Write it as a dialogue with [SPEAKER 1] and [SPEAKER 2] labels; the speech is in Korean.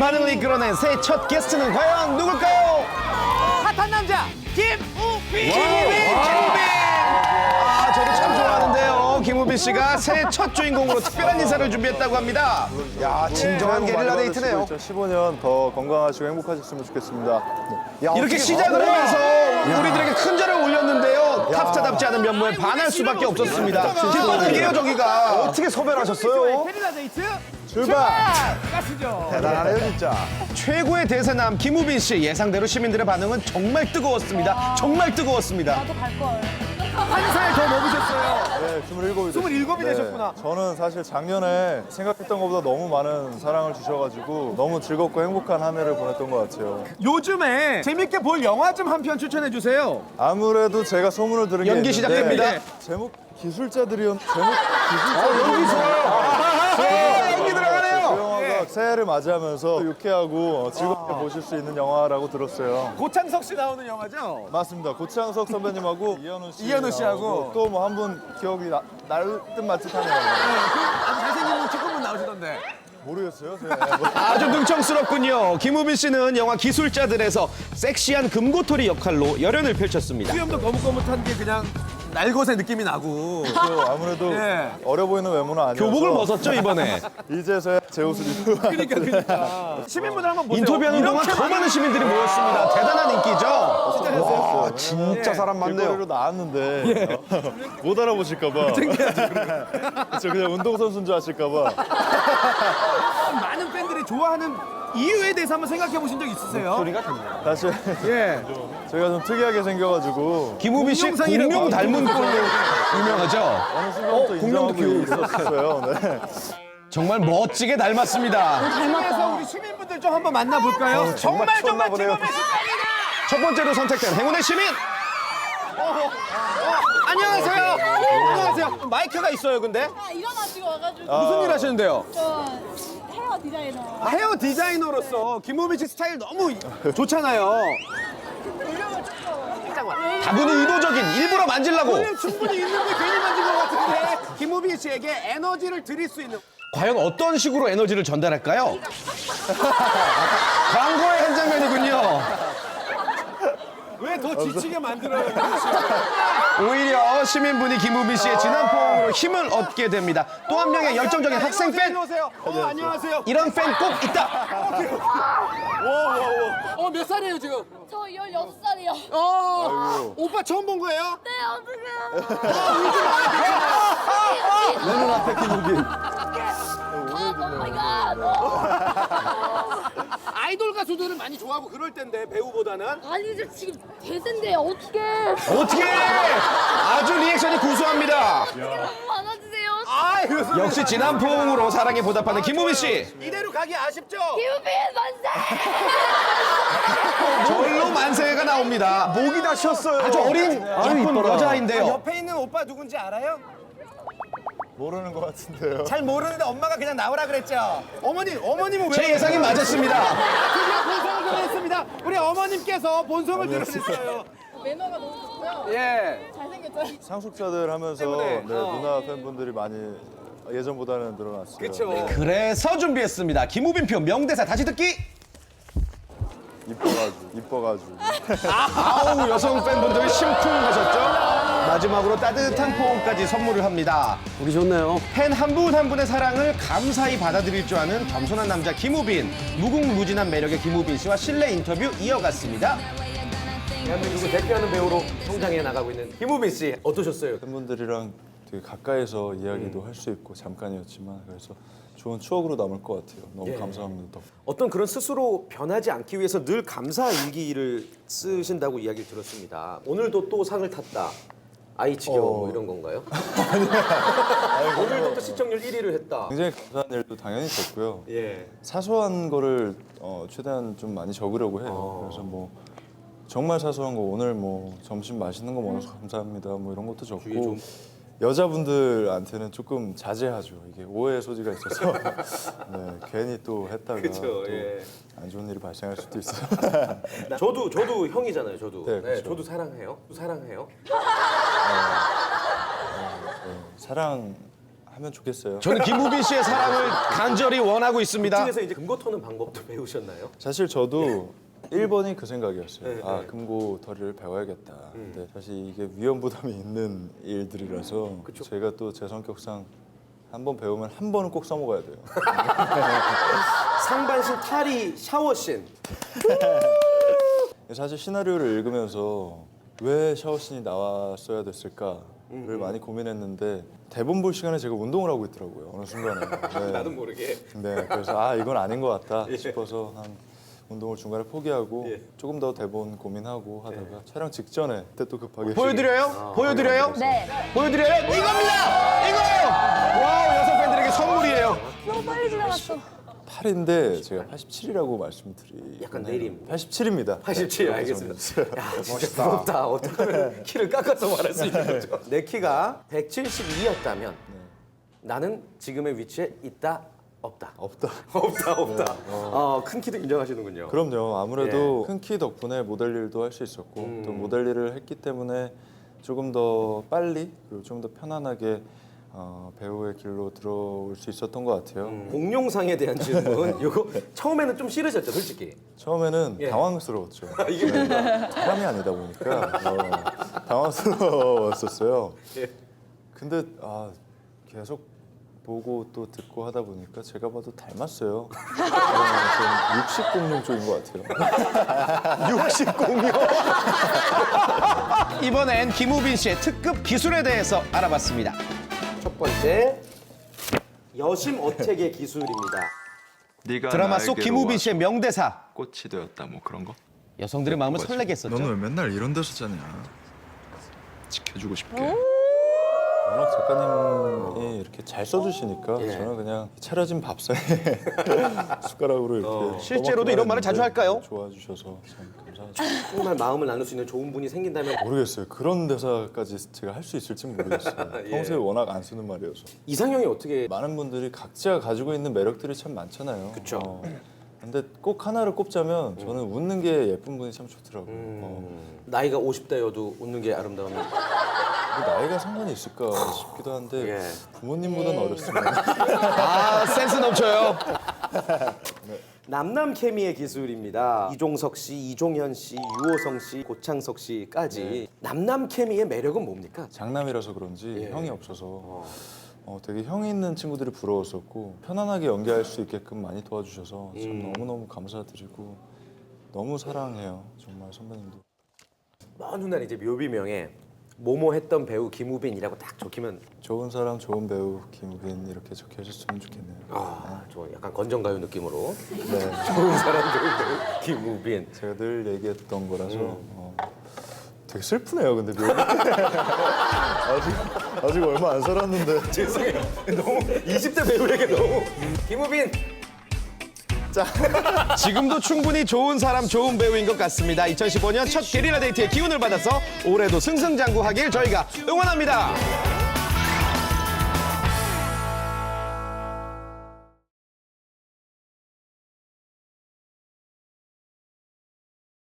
[SPEAKER 1] 반응을 이끌어낸 새 첫 게스트는 과연 누굴까요?
[SPEAKER 2] 핫한 남자 김우빈.
[SPEAKER 1] 아, 저도 참 좋아하는데요. 김우빈 씨가 새 첫 주인공으로 특별한 인사를 준비했다고 합니다. 야, 진정한 게릴라 데이트네요.
[SPEAKER 3] 2015년 더 건강하시고 행복하셨으면 좋겠습니다.
[SPEAKER 1] 이렇게 시작을 하면서 우리들에게 큰 절을 올렸는데요. 탑스타답지 않은 면모에 반할 수밖에 없었습니다. 뒷바닥이에요, 저기가.
[SPEAKER 3] 어떻게 섭외를 하셨어요?
[SPEAKER 2] 게릴라 데이트
[SPEAKER 3] 출발!
[SPEAKER 2] 가시죠.
[SPEAKER 3] 대단하네요, 진짜.
[SPEAKER 1] 최고의 대세남 김우빈 씨. 예상대로 시민들의 반응은 정말 뜨거웠습니다. 정말 뜨거웠습니다.
[SPEAKER 4] 나도 갈 걸.
[SPEAKER 2] 한 살 더 먹으셨어요.
[SPEAKER 3] 네, 27이
[SPEAKER 2] 27이 되셨구나.
[SPEAKER 3] 저는 사실 작년에 생각했던 것보다 너무 많은 사랑을 주셔가지고 너무 즐겁고 행복한 한 해를 보냈던 것 같아요.
[SPEAKER 2] 요즘에 재밌게 볼 영화 좀 한 편 추천해 주세요.
[SPEAKER 3] 아무래도 제가 소문을 들은 게
[SPEAKER 1] 연기
[SPEAKER 3] 있는데
[SPEAKER 1] 시작됩니다.
[SPEAKER 3] 제목 기술자들이었. 연기 좋아요. 연기 들어가네요. 그 영화가 새해를 맞이하면서 유쾌하고 즐겁게 보실 수 있는 영화라고 들었어요.
[SPEAKER 2] 고창석 씨 나오는 영화죠?
[SPEAKER 3] 맞습니다. 고창석 선배님하고
[SPEAKER 2] 이현우 씨하고.
[SPEAKER 3] 또 뭐 한 분 기억이 날 듯 말 듯하네요.
[SPEAKER 2] 아주 잘생긴 분 조금만 나오시던데.
[SPEAKER 3] 모르겠어요.
[SPEAKER 1] 아주 능청스럽군요. 김우빈 씨는 영화 기술자들에서 섹시한 금고토리 역할로 열연을 펼쳤습니다.
[SPEAKER 2] 수염도 거뭇거뭇한 게 그냥 날것의 느낌이 나고.
[SPEAKER 3] 아무래도
[SPEAKER 2] 예.
[SPEAKER 3] 어려 보이는 외모는 아니어서
[SPEAKER 1] 교복을 벗었죠, 이번에.
[SPEAKER 3] 이제서야 제 옷을 입고
[SPEAKER 2] 그러니까. 시민분들 한번 보세요.
[SPEAKER 1] 인터뷰하는 동안
[SPEAKER 2] 이렇게
[SPEAKER 1] 더 많은 시민들이 모였습니다. 대단한 인기죠?
[SPEAKER 3] 와,
[SPEAKER 1] 진짜 사람
[SPEAKER 3] 길거리로 나왔는데 못 알아보실까 봐. 저 그냥 운동선수인 줄 아실까 봐.
[SPEAKER 2] 많은 팬들이 좋아하는 이유에 대해서 한번 생각해 보신 적 있으세요?
[SPEAKER 3] 사실
[SPEAKER 2] 예.
[SPEAKER 3] 저희가 좀 특이하게 생겨가지고
[SPEAKER 1] 김우빈 씨
[SPEAKER 2] 공룡상이라고
[SPEAKER 1] 공룡 닮은 걸로 유명하죠?
[SPEAKER 3] 어느 순간부터 인정하고 있었어요. 네.
[SPEAKER 1] 정말 멋지게 닮았습니다.
[SPEAKER 2] 그래서 우리 시민분들 좀 한번 만나볼까요? 정말
[SPEAKER 3] 미쳤나 보네요.
[SPEAKER 2] 최고의 시간이다.
[SPEAKER 1] 첫 번째로 선택된 행운의 시민!
[SPEAKER 2] 안녕하세요. 안녕하세요. 마이크가 있어요, 근데?
[SPEAKER 4] 아, 일어나지고 와가지고.
[SPEAKER 2] 무슨 일 하시는데요?
[SPEAKER 4] 저 헤어 디자이너.
[SPEAKER 2] 헤어 디자이너로서 김우빈 씨 스타일 너무 좋잖아요.
[SPEAKER 4] 볼륨을 조금.
[SPEAKER 1] 다분히 의도적인 일부러 만지려고.
[SPEAKER 2] 볼륨 충분히 있는데 괜히 만진 것 같은데 김우빈 씨에게 에너지를 드릴 수 있는
[SPEAKER 1] 과연 어떤 식으로 에너지를 전달할까요? 광고의 한 장면이군요.
[SPEAKER 2] 왜 더 지치게 만들어요?
[SPEAKER 1] 오히려 시민분이 김우빈 씨의 진한 포옹으로 힘을 얻게 됩니다. 또 한 명의 열정적인 학생 팬!
[SPEAKER 2] 일로 오세요. 안녕하세요.
[SPEAKER 1] 이런 팬 꼭 있다!
[SPEAKER 2] 몇 살이에요, 지금?
[SPEAKER 4] 저 16살이요.
[SPEAKER 2] 오빠 처음 본 거예요?
[SPEAKER 4] 네, 어떡해요.
[SPEAKER 3] 내 눈앞에 김우빈.
[SPEAKER 4] 아, 마이 갓.
[SPEAKER 2] 아이돌 가수들은 많이 좋아하고 그럴 텐데 배우보다는
[SPEAKER 4] 아니, 저 지금 대세인데 어떡해.
[SPEAKER 1] 어떻게 아주 리액션이 구수합니다.
[SPEAKER 4] 안아주세요.
[SPEAKER 2] 아유
[SPEAKER 1] 역시 진한 포옹으로 사랑에 보답하는 김우빈 씨.
[SPEAKER 2] 이대로 가기 아쉽죠?
[SPEAKER 4] 유빈 만세.
[SPEAKER 1] 절로 만세가 나옵니다.
[SPEAKER 3] 목이 다 쉬었어요.
[SPEAKER 1] 아주 어린 이쁜 여자인데요.
[SPEAKER 2] 옆에 있는 오빠 누군지 알아요?
[SPEAKER 3] 모르는 것 같은데요.
[SPEAKER 2] 잘 모르는데 엄마가 그냥 나오라 그랬죠? 어머님은 왜?
[SPEAKER 1] 제 예상이 맞았습니다.
[SPEAKER 2] 드디어 본성을 드러냈습니다. 우리 어머님께서 본성을 드러냈어요.
[SPEAKER 4] 매너가 너무 좋고요.
[SPEAKER 2] 예.
[SPEAKER 4] 잘생겼죠?
[SPEAKER 3] 상속자들 하면서
[SPEAKER 2] 때문에.
[SPEAKER 3] 누나 팬분들이 많이 예전보다는 늘어났어요.
[SPEAKER 2] 그렇죠.
[SPEAKER 1] 그래서 준비했습니다. 김우빈표 명대사 다시 듣기.
[SPEAKER 3] 이뻐가지고.
[SPEAKER 1] 아우 여성 팬분들 심쿵하셨죠? 마지막으로 따뜻한 포옹까지 선물을 합니다.
[SPEAKER 2] 우리 좋네요.
[SPEAKER 1] 팬 한 분 한 분의 사랑을 감사히 받아들일 줄 아는 겸손한 남자 김우빈. 무궁무진한 매력의 김우빈 씨와 실내 인터뷰 이어갔습니다.
[SPEAKER 2] 대한민국을 대표하는 배우로 성장해 나가고 있는 김우빈 씨 어떠셨어요?
[SPEAKER 3] 팬분들이랑 되게 가까이서 이야기도 할 수 있고 잠깐이었지만 그래서 좋은 추억으로 남을 것 같아요. 너무 감사합니다.
[SPEAKER 5] 어떤 그런 스스로 변하지 않기 위해서 늘 감사 일기를 쓰신다고 이야기를 들었습니다. 오늘도 또 상을 탔다. 아이 지겨워 뭐 이런 건가요? 오늘도 또 시청률 1위를 했다.
[SPEAKER 3] 굉장히 감사한 일도 당연히 있었고요.
[SPEAKER 5] 예.
[SPEAKER 3] 사소한 거를 최대한 좀 많이 적으려고 해요. 그래서 뭐 정말 사소한 거 오늘 뭐 점심 맛있는 거 먹어서 감사합니다. 뭐 이런 것도 적고 여자분들한테는 조금 자제하죠. 이게 오해의 소지가 있어서 네, 괜히 또 했다가
[SPEAKER 5] 그쵸,
[SPEAKER 3] 또
[SPEAKER 5] 예.
[SPEAKER 3] 안 좋은 일이 발생할 수도 있어요.
[SPEAKER 5] 저도 형이잖아요. 저도.
[SPEAKER 3] 네, 그쵸.
[SPEAKER 5] 저도 사랑해요. 사랑해요.
[SPEAKER 3] 사랑하죠. 하면 좋겠어요.
[SPEAKER 1] 저는 김우빈 씨의 사랑을 간절히 원하고 있습니다.
[SPEAKER 5] 중에서 이제 금고 터는 방법도 배우셨나요?
[SPEAKER 3] 사실 저도 1번이 그 생각이었어요.
[SPEAKER 5] 네,
[SPEAKER 3] 아,
[SPEAKER 5] 네.
[SPEAKER 3] 금고털이를 배워야겠다. 근데 사실 이게 위험 부담이 있는 일들이라서 제가 또 제 성격상 한 번 배우면 한 번은 꼭 써먹어야 돼요.
[SPEAKER 5] 상반신 탈의 샤워씬.
[SPEAKER 3] 사실 시나리오를 읽으면서 왜 샤워씬이 나왔어야 됐을까를 많이 고민했는데 대본 볼 시간에 제가 운동을 하고 있더라고요. 어느 순간에. 네.
[SPEAKER 5] 나도 모르게.
[SPEAKER 3] 네, 그래서 아 이건 아닌 것 같다 싶어서 한 운동을 중간에 포기하고 조금 더 대본 고민하고 하다가 촬영 직전에 그때 또 급하게
[SPEAKER 1] 보여드려요? 보여드려요?
[SPEAKER 4] 네.
[SPEAKER 1] 보여드려요? 이겁니다! 이거예요! 와우, 여성 팬들에게 선물이에요.
[SPEAKER 4] 너무 빨리 지나갔어.
[SPEAKER 3] 8인데 제가 87이라고 말씀드리고
[SPEAKER 5] 약간 내림.
[SPEAKER 3] 87입니다.
[SPEAKER 5] 87 알겠습니다. 야, 진짜 부럽다. 어떻게 하면 키를 깎아서 말할 수 있는 거죠? 내 키가 172였다면 나는 지금의 위치에 있다, 없다.
[SPEAKER 3] 없다.
[SPEAKER 5] 없다. 큰 키도 인정하시는군요.
[SPEAKER 3] 그럼요. 아무래도 큰 키 덕분에 모델 일도 할 수 있었고 또 모델 일을 했기 때문에 조금 더 빨리 그리고 좀 더 편안하게 배우의 길로 들어올 수 있었던 것 같아요.
[SPEAKER 5] 공룡상에 대한 질문. 요거 처음에는 좀 싫으셨죠, 솔직히.
[SPEAKER 3] 처음에는
[SPEAKER 5] 예.
[SPEAKER 3] 당황스러웠죠.
[SPEAKER 5] 이게
[SPEAKER 3] 사람이 아니다 보니까 당황스러웠었어요.
[SPEAKER 5] 예.
[SPEAKER 3] 근데 계속 보고 또 듣고 하다 보니까 제가 봐도 닮았어요. 좀 육식 공룡 쪽인 것 같아요.
[SPEAKER 1] 육식 공룡. 이번엔 김우빈 씨의 특급 기술에 대해서 알아봤습니다.
[SPEAKER 5] 첫 번째 여심 어택의 기술입니다.
[SPEAKER 6] 네가
[SPEAKER 1] 드라마 속
[SPEAKER 6] 나에게로
[SPEAKER 1] 김우빈
[SPEAKER 6] 와
[SPEAKER 1] 씨의 명대사.
[SPEAKER 6] 꽃이 되었다 뭐 그런 거
[SPEAKER 1] 여성들의 마음을 설레게 했었죠.
[SPEAKER 3] 왜 맨날 이런 데서 자냐?
[SPEAKER 6] 지켜주고 싶게
[SPEAKER 3] 워낙 작가님이 이렇게 잘 써주시니까
[SPEAKER 5] 예.
[SPEAKER 3] 저는 그냥 차려진 밥상에 숟가락으로 이렇게
[SPEAKER 1] 실제로도 이런 말을 자주 할까요?
[SPEAKER 3] 좋아주셔서 참 감사하죠.
[SPEAKER 5] 정말 마음을 나눌 수 있는 좋은 분이 생긴다면
[SPEAKER 3] 모르겠어요. 그런 대사까지 제가 할 수 있을지 모르겠어요.
[SPEAKER 5] 예.
[SPEAKER 3] 평소에 워낙 안 쓰는 말이어서.
[SPEAKER 5] 이상형이 어떻게
[SPEAKER 3] 많은 분들이 각자 가지고 있는 매력들이 참 많잖아요.
[SPEAKER 5] 그쵸.
[SPEAKER 3] 근데 꼭 하나를 꼽자면 저는 웃는 게 예쁜 분이 참 좋더라고요.
[SPEAKER 5] 나이가 50대여도 웃는 게 아름다운
[SPEAKER 3] 뭐 나이가 상관이 있을까 싶기도 한데
[SPEAKER 5] 예.
[SPEAKER 3] 부모님보다는 어렸으면
[SPEAKER 1] 아, 센스 넘쳐요.
[SPEAKER 5] 남남 케미의 기술입니다. 이종석 씨, 이종현 씨, 유호성 씨, 고창석 씨까지 남남 케미의 매력은 뭡니까?
[SPEAKER 3] 장남이라서 그런지
[SPEAKER 5] 예.
[SPEAKER 3] 형이 없어서 되게 형이 있는 친구들이 부러웠었고 편안하게 연기할 수 있게끔 많이 도와주셔서 참 너무너무 감사드리고 너무 사랑해요. 정말 선배님도.
[SPEAKER 5] 먼 훗날 이제 묘비명에 모모 했던 배우 김우빈이라고 딱 적히면
[SPEAKER 3] 좋은 사람, 좋은 배우 김우빈 이렇게 적혀졌으면 좋겠네요.
[SPEAKER 5] 좀 약간 건전가요 느낌으로
[SPEAKER 3] 네.
[SPEAKER 5] 좋은 사람 좋은 배우 김우빈.
[SPEAKER 3] 제가 늘 얘기했던 거라서 되게 슬프네요. 근데 묘비 아직 얼마 안 살았는데
[SPEAKER 5] 죄송해요. 너무 20대 배우에게 너무 김우빈.
[SPEAKER 1] 지금도 충분히 좋은 사람, 좋은 배우인 것 같습니다. 2015년 첫 게리라 데이트의 기운을 받아서 올해도 승승장구하길 저희가 응원합니다.